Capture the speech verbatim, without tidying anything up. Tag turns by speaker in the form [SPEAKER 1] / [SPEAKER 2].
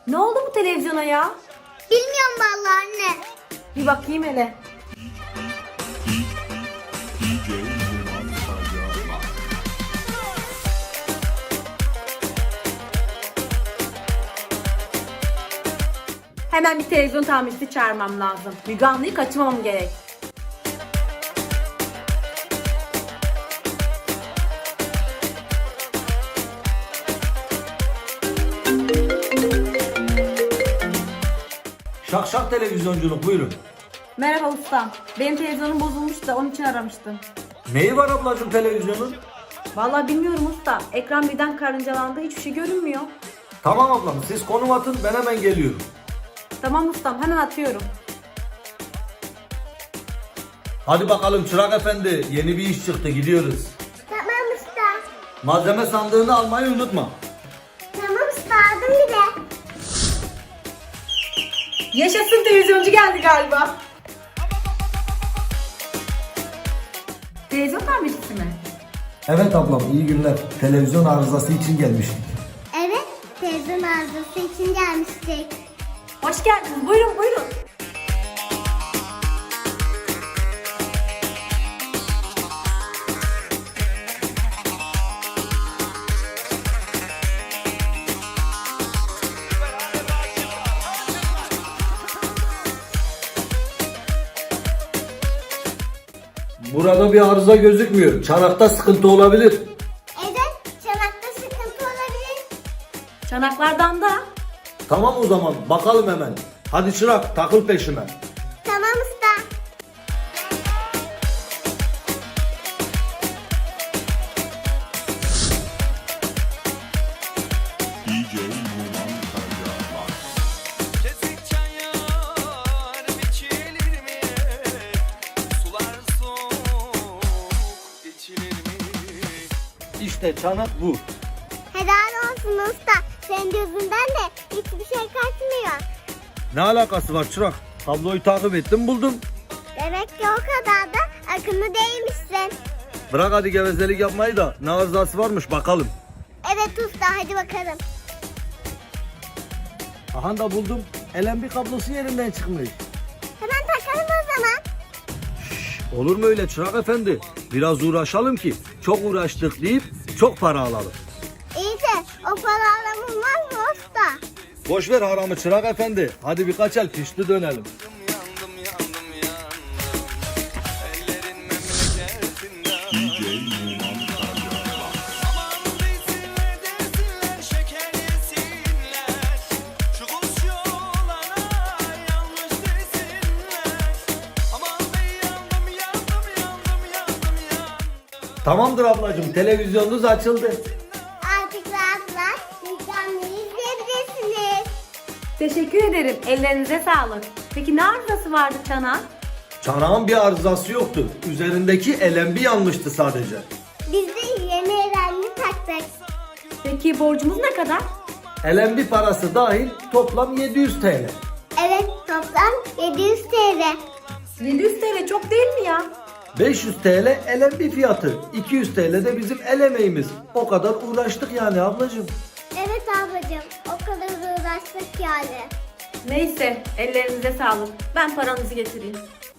[SPEAKER 1] Ne oldu bu televizyona ya?
[SPEAKER 2] Bilmiyorum vallahi anne.
[SPEAKER 1] Bir bakayım hele. Hemen bir televizyon tamircisi çağırmam lazım. Müge Anlı'yı kaçırmamam gerek.
[SPEAKER 3] Şak şak televizyonculuk, buyurun.
[SPEAKER 1] Merhaba ustam. Benim televizyonum bozulmuş da onun için aramıştım.
[SPEAKER 3] Neyi var ablacığım televizyonun?
[SPEAKER 1] Vallahi bilmiyorum usta. Ekran birden karıncalandı. Hiçbir şey görünmüyor.
[SPEAKER 3] Tamam ablam, siz konum atın, ben hemen geliyorum.
[SPEAKER 1] Tamam ustam, hemen atıyorum.
[SPEAKER 3] Hadi bakalım Çırak Efendi, yeni bir iş çıktı, gidiyoruz.
[SPEAKER 2] Tamam usta.
[SPEAKER 3] Malzeme sandığını almayı unutma.
[SPEAKER 2] Tamam usta, aldım bile.
[SPEAKER 1] Yaşasın, televizyoncu geldi galiba. Televizyon tamircisi mi?
[SPEAKER 3] Evet ablam, iyi günler. Televizyon arızası için gelmiştik.
[SPEAKER 2] Evet, televizyon arızası için gelmiştik.
[SPEAKER 1] Hoş geldiniz. Buyurun buyurun.
[SPEAKER 3] Burada bir arıza gözükmüyor. Çanakta sıkıntı olabilir.
[SPEAKER 2] Evet, çanakta sıkıntı olabilir.
[SPEAKER 1] Çanaklardan da.
[SPEAKER 3] Tamam o zaman, bakalım hemen. Hadi Çırak, takıl peşime.
[SPEAKER 2] Tamam usta.
[SPEAKER 4] D J Numan Karyamaz.
[SPEAKER 5] Kesik çayır biçilir mi? Sular soğuk içilir mi?
[SPEAKER 3] İşte çanak bu.
[SPEAKER 2] Helal olsun usta. Senin gözünden de hiçbir şey kaçmıyor.
[SPEAKER 3] Ne alakası var Çırak? Tabloyu takip ettim, buldum.
[SPEAKER 2] Demek ki o kadar da akıllı değilmişsin.
[SPEAKER 3] Bırak hadi gevezelik yapmayı da ne arızası varmış bakalım.
[SPEAKER 2] Evet usta, hadi bakalım.
[SPEAKER 3] Aha da buldum. L M B kablosu yerinden çıkmış.
[SPEAKER 2] Hemen takalım o zaman.
[SPEAKER 3] Olur mu öyle Çırak Efendi? Biraz uğraşalım ki çok uğraştık deyip çok para alalım.
[SPEAKER 2] İyi de o paralarımın var mı usta?
[SPEAKER 3] Boş ver haramı Çırak Efendi. Hadi birkaç el pişti dönelim.
[SPEAKER 5] Yandım yandım yandım. Ellerin memleketinden.
[SPEAKER 4] D J Numan Karyamaz.
[SPEAKER 5] Aman desinler desinler şeker yesinler. Şu kuş yolana yanlış desinler. Aman ben yandım yandım yandım yandım yandım.
[SPEAKER 3] Tamamdır ablacığım, televizyonunuz açıldı.
[SPEAKER 2] Artık rahat rahat mükemmel izleyebilirsiniz.
[SPEAKER 1] Teşekkür ederim. Ellerinize sağlık. Peki ne arızası vardı çanağın?
[SPEAKER 3] Çanağın bir arızası yoktu. Üzerindeki L M B yanmıştı sadece.
[SPEAKER 2] Biz de yeni evrenli taktık.
[SPEAKER 1] Peki borcumuz ne kadar?
[SPEAKER 3] L M B parası dahil toplam yedi yüz T L.
[SPEAKER 2] Evet, toplam yedi yüz T L.
[SPEAKER 1] yedi yüz TL çok değil mi ya?
[SPEAKER 3] beş yüz T L L M B fiyatı. iki yüz T L de bizim el emeğimiz. O kadar uğraştık yani ablacığım.
[SPEAKER 2] Evet ablacığım, o kadar uğraştık yani.
[SPEAKER 1] Neyse, ellerinize sağlık. Ben paranızı getireyim.